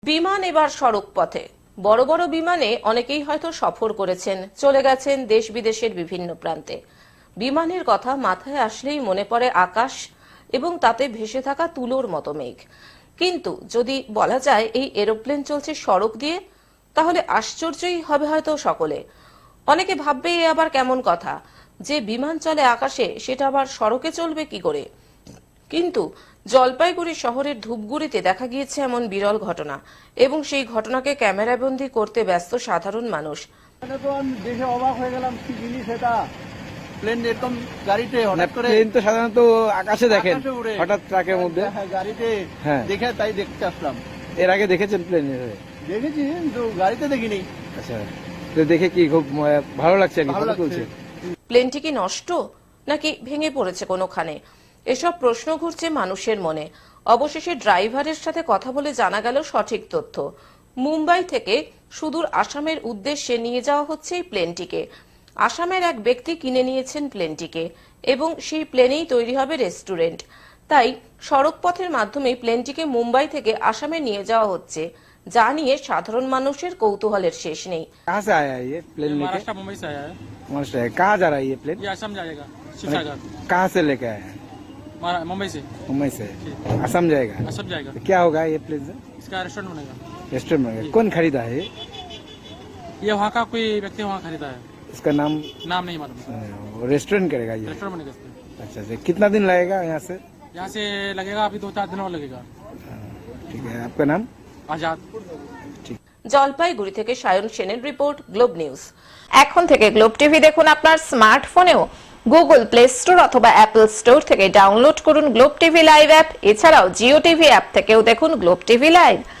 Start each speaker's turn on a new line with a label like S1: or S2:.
S1: বিমান এবার সড়ক পথে। বড় বড় বিমানে অনেকেই হয়তো সফর করেছেন, চলে গেছেন দেশ বিদেশের বিভিন্ন প্রান্তে। বিমানের কথা মাথায় আসলেই মনে পড়ে আকাশ এবং তাতে ভেসে থাকা তুলোর মতো মেঘ। কিন্তু যদি বলা যায় এই এরোপ্লেন চলছে সড়ক দিয়ে, তাহলে আশ্চর্যই হবে হয়তো সকলে। অনেকে ভাববে এ আবার কেমন কথা, যে বিমান চলে আকাশে সেটা আবার সড়কে চলবে কি করে। কিন্তু জলপাইগুড়ি শহরের ধূপগুড়িতে দেখা গিয়েছে এমন বিরল ঘটনা, এবং সেই ঘটনাকে ক্যামেরাবন্দি করতে ব্যস্ত সাধারণ মানুষ।
S2: তো আমি দেখে অবাক হয়ে গেলাম, কি জিনিস এটা। প্লেন এরকম গাড়িতে হঠাৎ করে,
S3: প্লেন তো সাধারণত আকাশে দেখেন,
S2: আকাশে উড়ে।
S3: হঠাৎ ট্রাকের মধ্যে।
S2: হ্যাঁ, গাড়িতে
S3: হ্যাঁ।
S2: দেখে তাই দেখতে আসলাম।
S3: এর আগে দেখেছেন প্লেন?
S2: দেখেছি কিন্তু গাড়িতে দেখিনি।
S3: আচ্ছা, তো দেখে কি খুব ভালো লাগছে?
S2: ভালো লাগছে।
S1: প্লেনটি কি নষ্ট নাকি ভেঙে পড়েছে কোনোখানে, এসব প্রশ্ন ঘুরছে মানুষের মনে। অবশেষে ড্রাইভারের সাথে কথা বলে জানা গেল সঠিক তথ্য। মুম্বাই থেকে সুদূর আসামের উদ্দেশ্যে নিয়ে যাওয়া হচ্ছে এই প্লেনটিকে। আসামের এক ব্যক্তি কিনে নিয়েছেন প্লেনটিকে, এবং সেই প্লেনেই তৈরি হবে রেস্টুরেন্ট। তাই সড়ক পথের মাধ্যমে প্লেনটিকে মুম্বাই থেকে আসামে নিয়ে যাওয়া হচ্ছে, যা নিয়ে সাধারণ মানুষের কৌতূহলের শেষ নেই।
S3: कहाँ से आया है ये प्लेन लेके?
S4: महाराष्ट्र मुंबई से आया है।
S3: महाराष्ट्र है। कहाँ जा रहा है ये प्लेन?
S4: ये असम जाएगा, शिवसागर।
S3: कहाँ से लेके आया है?
S4: मुंबई से
S3: मुंबई से असम जाएगा।
S4: असम जाएगा।
S3: तो क्या होगा ये प्लेन से?
S4: इसका रेस्टोरेंट बनेगा।
S3: रेस्टोरेंट में कौन खरीदा है ये?
S4: ये वहाँ का कोई व्यक्ति वहाँ खरीदा है,
S3: इसका नाम
S4: नाम नहीं मालूम।
S3: रेस्टोरेंट करेगा ये?
S4: रेस्टोरेंट बनेगा इसमें।
S3: अच्छा अच्छा, कितना दिन लगेगा यहाँ से?
S4: यहाँ से लगेगा अभी 2-4 दिन और लगेगा।
S3: ठीक है, आपका नाम?
S4: आजाद।
S1: জলপাইগুড়ি থেকে সায়ন সেনের রিপোর্ট, গ্লোব নিউজ। এখন থেকে গ্লোব টিভি দেখুন আপনার স্মার্টফোনেও। গুগল প্লে স্টোর অথবা অ্যাপল স্টোর থেকে ডাউনলোড করুন গ্লোব টিভি লাইভ অ্যাপ। এছাড়াও জিও টিভি অ্যাপ থেকেও দেখুন গ্লোব টিভি লাইভ।